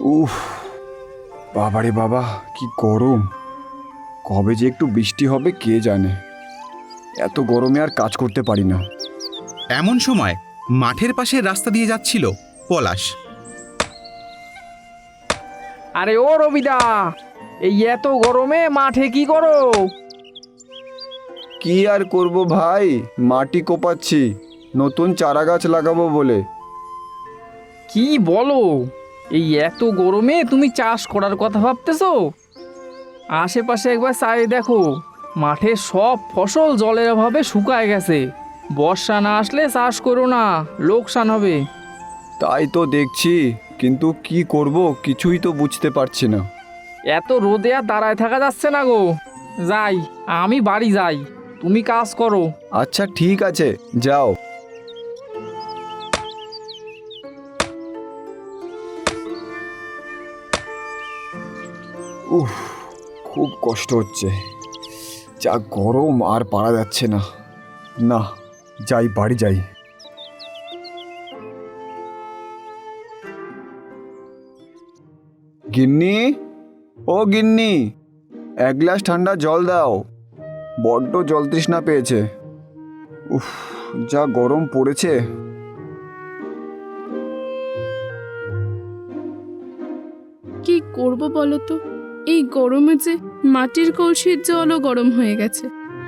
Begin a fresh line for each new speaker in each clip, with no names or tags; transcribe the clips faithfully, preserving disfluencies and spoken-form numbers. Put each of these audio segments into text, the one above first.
উফ, বাবারে বাবা, কি গরম! কবে যে একটু বৃষ্টি হবে কে জানে। এত গরমে আর কাজ করতে পারি না।
এমন সময় মাঠের পাশে রাস্তা দিয়ে যাচ্ছিল পলাশ।
আরে ও রবিদা, এই এত গরমে মাঠে কি করো?
কি আর করব ভাই, মাটি কোপাচ্ছি নতুন চারা গাছ লাগাবো বলে।
কি বলো, এই এত গরমে তুমি চাষ করার কথা ভাবতেছো? আশেপাশে একবার চাই দেখো, মাঠে সব ফসল জলের অভাবে শুকায় গেছে। বর্ষা না আসলে চাষ করো না, লোকসান হবে।
তাই তো দেখছি, কিন্তু কি করব কিছুই তো বুঝতে পারছি না।
এত রোদে আর দাঁড়ায় থাকা যাচ্ছে না গো। যাই, আমি বাড়ি যাই, তুমি কাজ করো।
আচ্ছা ঠিক আছে, যাও। উফ, খুব কষ্ট হচ্ছে, যা গরম আর পারা যাচ্ছে না। না, যাই, বাড়ি যাই। গিন্নি, ও গিন্নি, এক গ্লাস ঠান্ডা জল দাও, বড্ড জল তৃষ্ণা পেয়েছে। উফ, যা গরম পড়েছে।
কি করব বলো তো, এই গরমে যে মাটির কলসির জলও গরম হয়ে গেছে।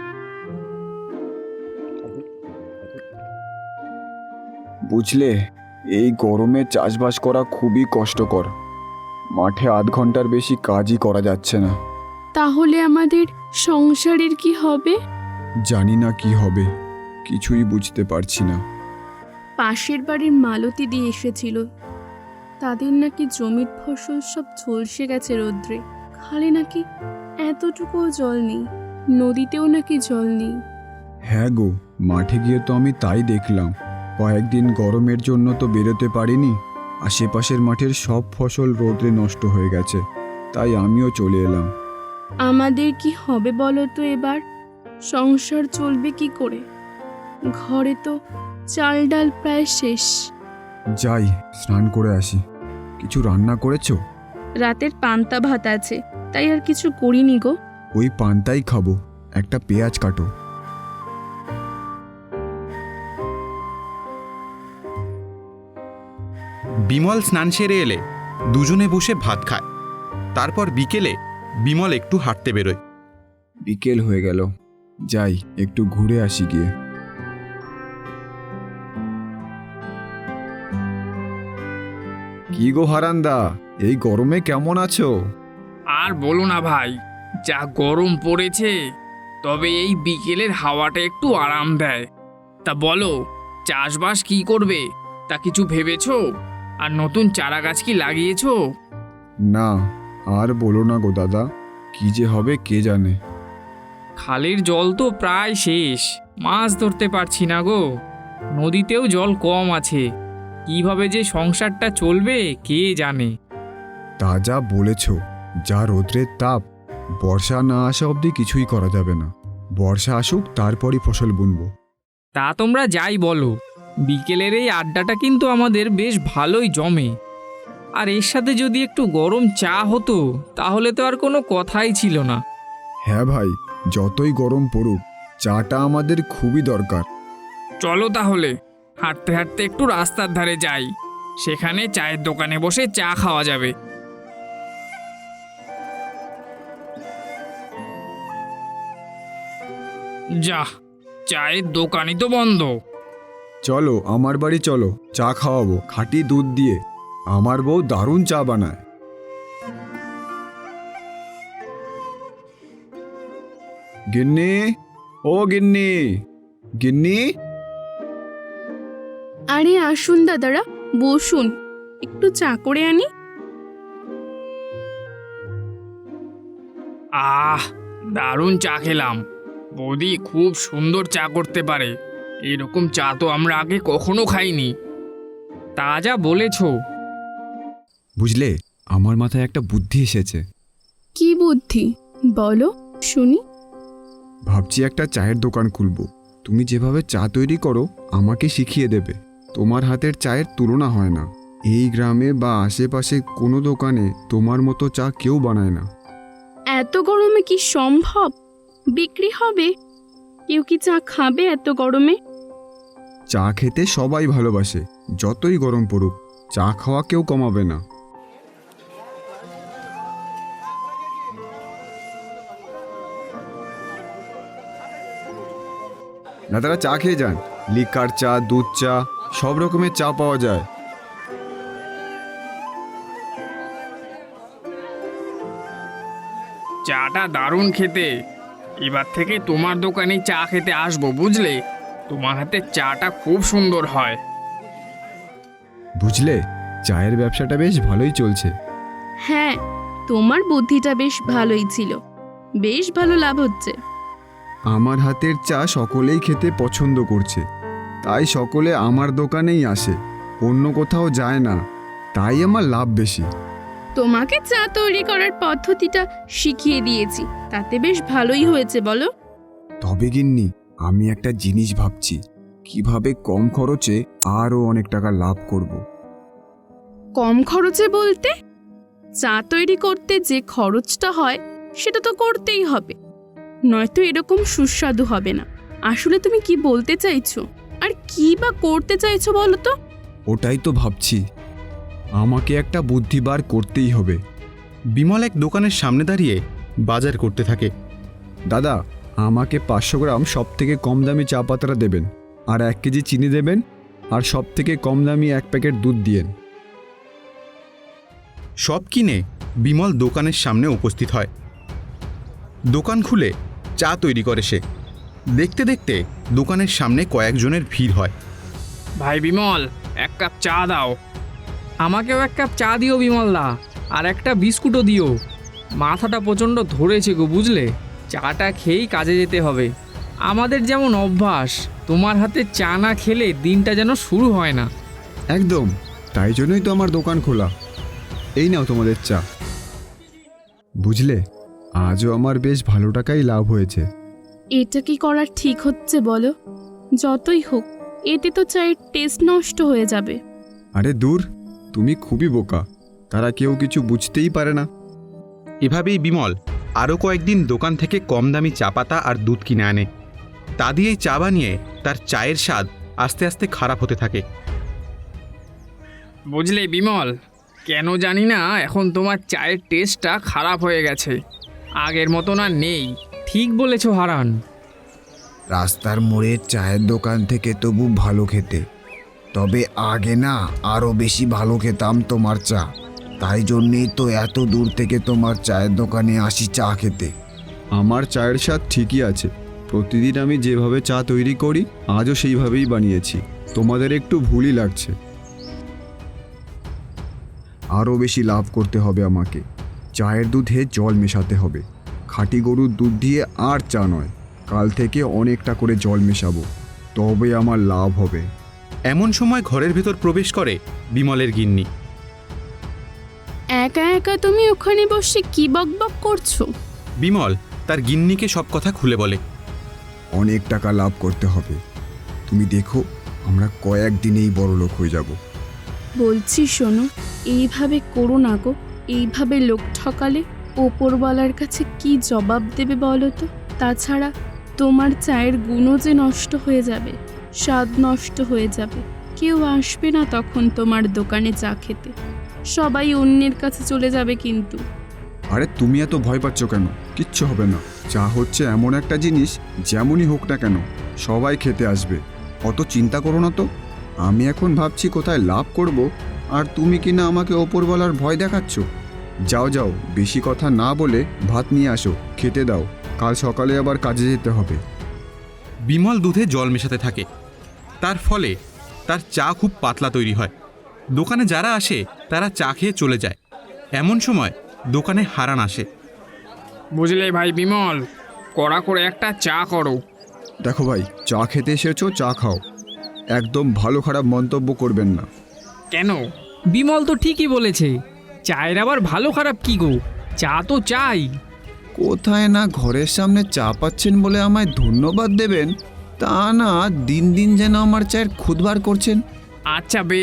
বুঝলে, এই গরমে চাষবাস করা খুবই কষ্টকর। মাঠে আধ ঘন্টার বেশি কাজই করা যাচ্ছে না।
তাহলে আমাদের সংসারের কি হবে?
জানি না কি হবে, কিছুই বুঝতে পারছি না।
পাশের বাড়ির মালতী দিয়ে এসেছিল, তাদের নাকি জমির ফসল সব ঝলসে গেছে রোদ্রে। খালে নাকি এতটুকুও জল নেই, নদীতেও নাকি জল নেই।
হ্যাঁ গো, মাঠে গিয়ে তো আমি তাই দেখলাম। কয়েকদিন গরমের জন্য তো বেরোতে পারিনি, আশেপাশের মাঠের সব ফসল রোদে নষ্ট হয়ে গেছে, তাই আমিও চলে এলাম।
আমাদের কি হবে বলো তো এবার? সংসার চলবে কি করে? ঘরে তো চাল ডাল প্রায় শেষ।
যাই, স্নান করে আসি। কিছু রান্না করেছো?
রাতের পান্তা ভাত আছে, তাই আর কিছু করিনি গো।
ওই পান্তাই খাবো, একটা পেঁয়াজ কাটো।
বিমল স্নান সেরে এলে দুজনে বসে ভাত খায়। তারপর বিকেলে বিমল একটু হাঁটতে বেরোয়।
বিকেল হয়ে গেল, যাই একটু ঘুরে আসি গিয়ে। কি গো হারান্দা, এই গরমে কেমন আছো?
আর বলো না ভাই, যা গরম পড়েছে। তবে এই বিকেলের হাওয়াটা একটু আরাম দেয়। তা বলো, চাষবাস কি করবে, তা কিছু ভেবেছো? আর নতুন চারা গাছ কি লাগিয়েছো?
না, আর বলো না গো দাদা, কি যে হবে কে জানে।
খালের জল তো প্রায় শেষ, মাছ ধরতে পারছি না গো। নদীতেও জল কম আছে, কিভাবে যে সংসারটা চলবে কে জানে।
তা যা বলেছ, যা রোদ্রের তাপ, বর্ষা না আসা অবধি কিছুই করা যাবে না। বর্ষা আসুক, তারপরই ফসল বুনবো।
তা তোমরা যাই বলো, বিকেলের এই আড্ডাটা কিন্তু আমাদের বেশ ভালোই জমে। আর এর সাথে যদি একটু গরম চা হতো, তাহলে তো আর কোনো কথাই ছিল না।
হ্যাঁ ভাই, যতই গরম পড়ুক, চাটা আমাদের খুবই দরকার।
চলো তাহলে, হাঁটতে হাঁটতে একটু রাস্তার ধারে যাই, সেখানে চায়ের দোকানে বসে চা খাওয়া যাবে। যা, চায়ের দোকানই তো বন্ধ।
চলো আমার বাড়ি চলো, চা খাওয়াবো খাঁটি দুধ দিয়ে। আমার বউ দারুণ চা বানায়। গিন্নি, ও গিন্নি, গিন্নি।
আরে আসুন দাদারা, বসুন, একটু চা করে আনি।
আহ, দারুণ চা খেলাম। বৌদি খুব সুন্দর চা করতে পারে, এরকম চা তো আমরা আগে কখনো খাইনি। তা যা বলেছ।
বুঝলে, আমার মাথায় একটা বুদ্ধি এসেছে।
কি বুদ্ধি বলো শুনি।
ভাবছি একটা চায়ের দোকান খুলবো। তুমি যেভাবে চা তৈরি করো আমাকে শিখিয়ে দেবে। তোমার হাতের চায়ের তুলনা হয় না। এই গ্রামে বা আশেপাশে কোনো দোকানে তোমার মতো চা কেউ বানায় না।
এত গরমে কি সম্ভব? বিক্রি হবে? কেউ কি চা খাবে এত গরমে?
চা খেতে সবাই ভালোবাসে, যতই গরম পড়ুক চা খাওয়া কেউ কমাবে না। দাদারা চা খেয়ে যান, লিকার চা, দুধ চা, সব রকমের চা পাওয়া যায়।
চাটা দারুণ খেতে। এবার থেকে তোমার দোকানে চা খেতে আসবো, বুঝলে? তোমার হাতে চাটা খুব সুন্দর হয়।
বুঝলে, চায়ের ব্যবসাটা বেশ ভালোই চলছে।
হ্যাঁ, তোমার বুদ্ধিটা বেশ ভালোই ছিল। বেশ ভালো লাভ হচ্ছে।
আমার হাতের চা সকলেই খেতে পছন্দ করছে, তাই সকলে আমার দোকানেই আসে, অন্য কোথাও যায় না, তাই আমার লাভ বেশি।
তোমাকে চা তৈরি করার পদ্ধতিটা শিখিয়ে দিয়েছি, তাতে বেশ ভালোই হয়েছে বলো।
তবে গিন্নি, আমি একটা জিনিস ভাবছি, কিভাবে কম খরচে আরও অনেক টাকা লাভ করব।
কম খরচে বলতে? চা তৈরি করতে যে খরচটা হয় সেটা তো করতেই হবে, নয়তো এরকম সুস্বাদু হবে না। আসলে তুমি কি বলতে চাইছো, আর কি বা করতে চাইছো বলো তো?
ওটাই তো ভাবছি, আমাকে একটা বুদ্ধি বার করতেই হবে।
বিমল এক দোকানের সামনে দাঁড়িয়ে বাজার করতে থাকে।
দাদা, আমাকে পাঁচশো গ্রাম সব থেকে কম দামি চা পাতাটা দেবেন, আর এক কেজি চিনি দেবেন, আর সব থেকে কম দামি এক প্যাকেট দুধ দিয়েন।
সব কিনে বিমল দোকানের সামনে উপস্থিত হয়। দোকান খুলে চা তৈরি করে সে। দেখতে দেখতে দোকানের সামনে কয়েকজনের ভিড় হয়।
ভাই বিমল, এক কাপ চা দাও। আমাকেও এক কাপ চা দিও বিমলদা, আর একটা বিস্কুটও দিও। মাথাটা প্রচণ্ড ধরেছে গো, বুঝলে? চাটা খেয়েই কাজে যেতে হবে। আমাদের যেমন অভ্যাস, তোমার হাতে চা না খেলে দিনটা যেন শুরু হয় না।
একদম, তাই জন্যই তো আমার দোকান খোলা। এই নাও তোমাদের চা। বুঝলে, আজও আমার বেশ ভালো টাকাই লাভ হয়েছে।
এটা কি করার ঠিক হচ্ছে বলো? যতই হোক, এতে তো চায়ের টেস্ট নষ্ট হয়ে যাবে।
আরে দূর, তুমি খুবই বোকা, তারা কেউ কিছু বুঝতেই পারে না।
এভাবেই বিমল আরও কয়েকদিন দোকান থেকে কম দামি চা পাতা আর দুধ কিনে আনে। তা দিয়েই চা বানিয়ে তার চায়ের স্বাদ আস্তে আস্তে খারাপ হতে থাকে।
বুঝলে বিমল, কেন জানি না এখন তোমার চায়ের টেস্টটা খারাপ হয়ে গেছে, আগের মতো না নেই। ঠিক বলেছো হারান।
রাস্তার মোড়ের চায়ের দোকান থেকে তবু ভালো খেতে, তবে আগে না আরও বেশি ভালো খেতাম তোমার চা, তাই জন্যেই তো এত দূর থেকে তোমার চায়ের দোকানে আসি চা খেতে। আমার চায়ের স্বাদ ঠিকই আছে, প্রতিদিন আমি যেভাবে চা তৈরি করি আজও সেইভাবেই বানিয়েছি, তোমাদের একটু ভুলই লাগছে। আরও বেশি লাভ করতে হবে আমাকে, চায়ের দুধে জল মেশাতে হবে, খাঁটি গরুর দুধ দিয়ে আর চা নয়, কাল থেকে অনেকটা করে জল মেশাবো, তবে আমার লাভ হবে।
এমন সময় ঘরের ভেতর প্রবেশ করে বিমলের গিন্নি।
একা একা তুমি ওখানে বসে কি বকবক করছো?
বিমল তার গিন্নিকে সব কথা খুলে বলে।
অনেক টাকা লাভ করতে হবে, তুমি দেখো আমরা কয়েকদিনেই বড়লোক হয়ে যাব।
বলছি শোনো, এইভাবে করো না গো। এইভাবে লোক ঠকালে ওপরওয়ালার কাছে কি জবাব দেবে বলো তো? তাছাড়া তোমার চায়ের গুণও যে নষ্ট হয়ে যাবে, স্বাদ নষ্ট হয়ে যাবে, কেউ আসবে না তখন তোমার দোকানে চা খেতে, সবাই অন্যের কাছে চলে যাবে কিন্তু।
আরে তুমি এত ভয় পাচ্ছ কেন? কিচ্ছু হবে না, চা হচ্ছে এমন একটা জিনিস, যেমনই হোক না কেন সবাই খেতে আসবে, অত চিন্তা করো না তো। আমি এখন ভাবছি কোথায় লাভ করব, আর তুমি কি না আমাকে ওপরওয়ালার ভয় দেখাচ্ছ। যাও যাও, বেশি কথা না বলে ভাত নিয়ে আসো, খেতে দাও, কাল সকালে আবার কাজে যেতে হবে।
বিমল দুধে জল মেশাতে থাকে, তার ফলে তার চা খুব পাতলা তৈরি হয়। দোকানে যারা আসে তারা চা খেয়ে চলে যায়। এমন সময় দোকানে হারান আসে।
বুঝলে ভাই বিমল, কড়া করে একটা চা করো।
দেখো ভাই, চা খেতে এসেছো, চা খাও, একদম ভালো খারাপ মন্তব্য করবেন না।
কেন? বিমল তো ঠিকই বলেছে, চায়ের আবার ভালো খারাপ কি গো, চা তো চাই।
কোথায় না ঘরের সামনে চা পাচ্ছেন বলে আমায় ধন্যবাদ দেবেন, তা না দিন দিন যেন আমার চায়ের খুদ বার করছেন।
আচ্ছা বেশ,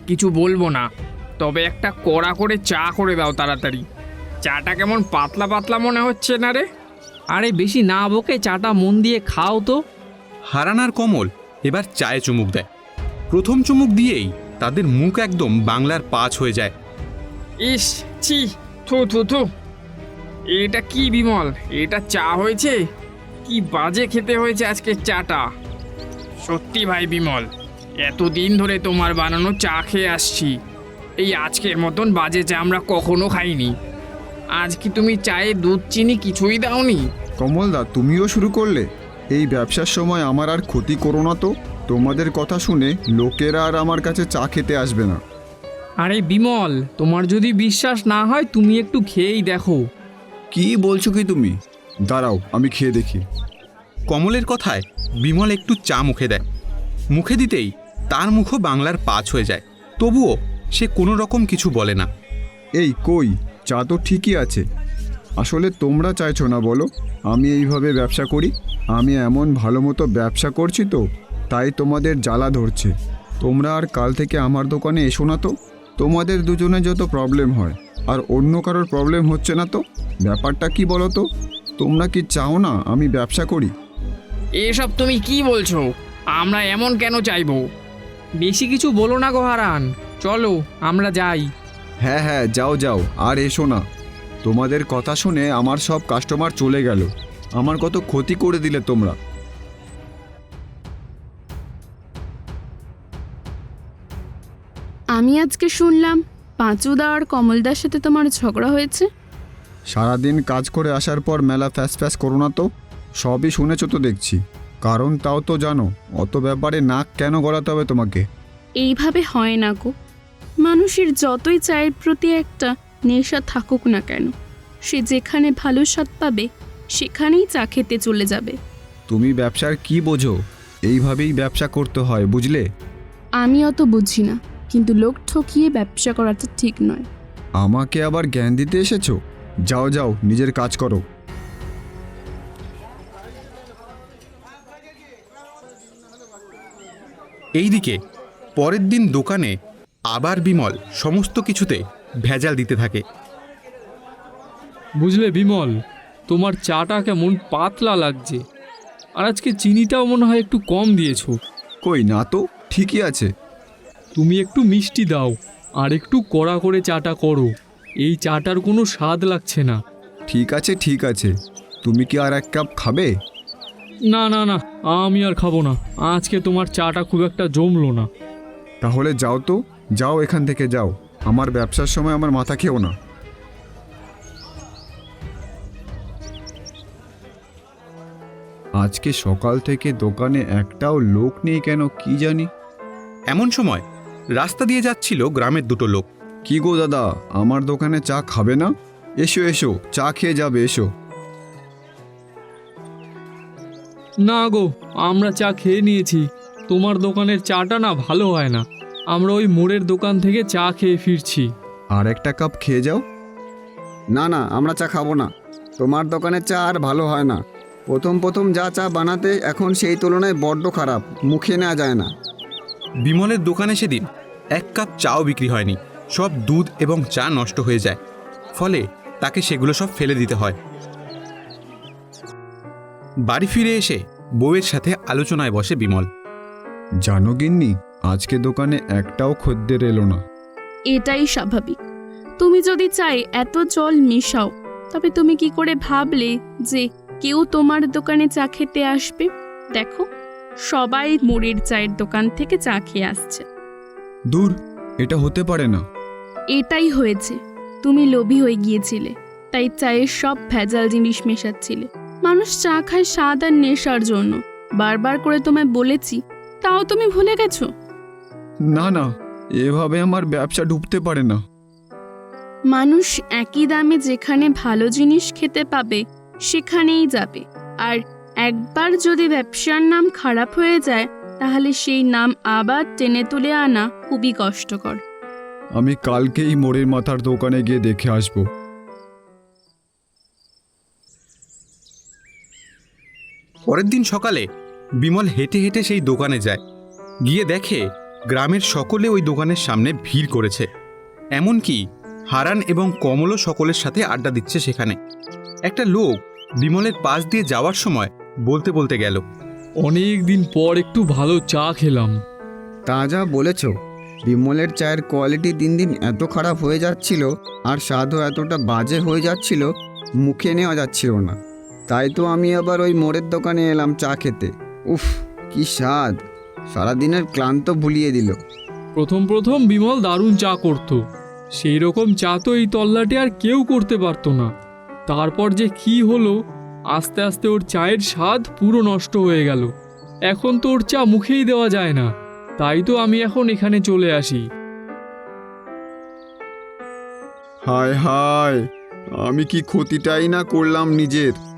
কিছু বলবো না, তবে একটা কড়া করে চা করে দাও তাড়াতাড়ি। চাটা কেমন পাতলা পাতলা মনে হচ্ছে না রে? আরে বেশি না বকে চাটা মন দিয়ে খাও তো।
হারান আর কমল এবার চায়ে চুমুক দেয়। প্রথম চুমুক দিয়েই তাদের মুখ একদম বাংলার পাঁচ হয়ে যায়।
ইস, ছি, থু থু থু। এটা কি বিমল, এটা চা হয়েছে? কি বাজে খেতে হয়েছে আজকে চাটা। সত্যি ভাই বিমল, এতদিন ধরে তোমার বানানো চা খেয়ে আসছি, এই আজকের মতন বাজে চা আমরা কখনো খাইনি। আজ কি তুমি চায়ে দুধ চিনি কিছুই দাওনি?
কমলদা, তুমিও শুরু করলে? এই ব্যবসার সময় আমার আর ক্ষতি করো না তো। তোমাদের কথা শুনে লোকেরা আর আমার কাছে চা খেতে আসবে না।
আরে বিমল, তোমার যদি বিশ্বাস না হয় তুমি একটু খেয়েই দেখো।
কি বলছো কি তুমি? দাঁড়াও, আমি খেয়ে দেখি।
কমলের কথায় বিমল একটু চা মুখে দেয়। মুখে দিতেই তার মুখও বাংলার পাঁচ হয়ে যায়। তবুও সে কোনো রকম কিছু বলে না।
এই কই, চা তো ঠিকই আছে। আসলে তোমরা চাইছো না বলো আমি এইভাবে ব্যবসা করি? আমি এমন ভালো মতো ব্যবসা করছি তো, তাই তোমাদের জ্বালা ধরছে। তোমরা আর কাল থেকে আমার দোকানে এসো না তো। তোমাদের দুজনে যত প্রবলেম হয়, আর অন্য কারোর প্রবলেম হচ্ছে না তো। ব্যাপারটা কি বলো তো? তোমরা কি চাও না আমি ব্যবসা করি?
এসব তুমি কি বলছো? আমরা এমন কেন চাইবো? বেশি কিছু বলো না গো হারান, চলো আমরা যাই।
হ্যাঁ হ্যাঁ, যাও যাও, আর এসো না। তোমাদের কথা শুনে আমার সব কাস্টমার চলে গেল। আমার কত ক্ষতি করে দিলে তোমরা।
আমি আজকে শুনলাম পাঁচুদা আর কমলদার সাথে তোমার ঝগড়া হয়েছে।
সারাদিন কাজ করে আসার পর মেলা ফ্যাস ফ্যাস করো না তো। সবই শুনেছো তো দেখছি। কারণ তাও তো জানো, অত ব্যাপারে নাক কেন গলাতে হবে তোমাকে?
এইভাবে হয় না গো। মানুষের যতই চায়ের প্রতি একটা নেশা থাকুক না কেন, সে যেখানে ভালো স্বাদ পাবে সেখানেই চা খেতে চলে যাবে।
তুমি ব্যবসার কি বোঝো? এইভাবেই ব্যবসা করতে হয়, বুঝলে?
আমি অত বুঝি না, কিন্তু লোক ঠকিয়ে ব্যবসা করাটা ঠিক নয়।
আমাকে আবার জ্ঞান দিতে এসেছো? যাও যাও, নিজের কাজ করো।
এইদিকে পরের দিন দোকানে আবার বিমল সমস্ত কিছুতে ভেজাল দিতে থাকে।
বুঝলে বিমল, তোমার চাটা কেমন পাতলা লাগছে, আর আজকে চিনিটাও মনে হয় একটু কম দিয়েছো।
কই না তো, ঠিকই আছে।
তুমি একটু মিষ্টি দাও, আর একটু কড়া করে চাটা করো। এই চাটার কোনো স্বাদ লাগছে না।
ঠিক আছে ঠিক আছে, তুমি কি আর এক কাপ খাবে?
না না না, আমি আর খাবো না। আজকে তোমার চাটা খুব একটা জমলো না।
তাহলে যাও তো, যাও এখান থেকে যাও। আমার ব্যবসার সময় আমার মাথা খেও না। আজকে সকাল থেকে দোকানে একটাও লোক নেই কেন কি জানি।
এমন সময় রাস্তা দিয়ে যাচ্ছিল গ্রামের দুটো লোক।
কি গো দাদা, আমার দোকানে চা খাবে না? এসো এসো, চা খেয়ে যাবে, এসো।
না গো, আমরা চা খেয়ে নিয়েছি। তোমার দোকানের চাটা না ভালো হয় না। আমরা ওই মোড়ের দোকান থেকে চা খেয়ে ফিরছি।
আর একটা কাপ খেয়ে যাও।
না না, আমরা চা খাবো না। তোমার দোকানের চা আর ভালো হয় না। প্রথম প্রথম যা চা বানাতে, এখন সেই তুলনায় বড্ড খারাপ, মুখে নেওয়া যায় না।
বিমলের দোকানে সেদিন এক কাপ চাও বিক্রি হয়নি। সব দুধ এবং চা নষ্ট হয়ে যায়, ফলে তাকে সেগুলো সব ফেলে দিতে হয়। বাড়ি ফিরে এসে বউয়ের সাথে আলোচনায় বসে বিমল।
জানো গিন্নি, আজকে দোকানে একটাও খদ্দের এলো না।
এটাই স্বাভাবিক। তুমি যদি চাই এত জল মেশাও, তবে তুমি কি করে ভাবলে যে কেউ তোমার দোকানে চা খেতে আসবে? দেখো, সবাই মোড়ের চায়ের দোকান থেকে চা খেয়ে আসছে।
দূর, এটা হতে পারে না।
এটাই হয়েছে, তুমি লোভী হয়ে গিয়েছিলে, তাই চায়ের সব ভেজাল জিনিস মেশাচ্ছিলে। মানুষ চা খায় স্বাদ আর নেশার জন্য। বারবার করে তোমায় বলেছি, তাও তুমি ভুলে গেছো।
না না, এভাবে আমার ব্যবসা ডুবতে পারে না।
মানুষ একই দামে যেখানে ভালো জিনিস খেতে পাবে সেখানেই যাবে, আর একবার যদি ব্যবসার নাম খারাপ হয়ে যায় তাহলে সেই নাম আবার টেনে তুলে আনা খুবই কষ্টকর।
আমি কালকেই মোড়ের মাথার দোকানে গিয়ে দেখে আসব।
পরের দিন সকালে বিমল হেঁটে হেঁটে সেই দোকানে যায়। গিয়ে দেখে গ্রামের সকলে ওই দোকানের সামনে ভিড় করেছে। এমনকি হারান এবং কমলও সকলের সাথে আড্ডা দিচ্ছে সেখানে। একটা লোক বিমলের পাশ দিয়ে যাওয়ার সময় বলতে বলতে গেল,
অনেক দিন পর একটু ভালো চা খেলাম।
তা যা বলেছ, বিমলের চায়ের কোয়ালিটি দিন দিন এত খারাপ হয়ে যাচ্ছিল আর স্বাদও এতটা বাজে হয়ে যাচ্ছিল, মুখে নেওয়া যাচ্ছিল না। তাই তো আমি আবার ওই মোড়ের দোকানে এলাম চা খেতে। উফ, কি স্বাদ! সারাদিনের ক্লান্ত ভুলিয়ে দিল।
প্রথম প্রথম বিমল দারুণ চা করতো, সেই রকম চা তো এই তল্লাটে আর কেউ করতে পারতো না। তারপর যে কি হলো, আস্তে আস্তে ওর চায়ের স্বাদ পুরো নষ্ট হয়ে গেল। এখন তো ওর চা মুখেই দেওয়া যায় না। তাই তো আমি এখন এখানে চলে আসি।
হায় হায়, আমি কি ক্ষতিটাই না করলাম নিজের।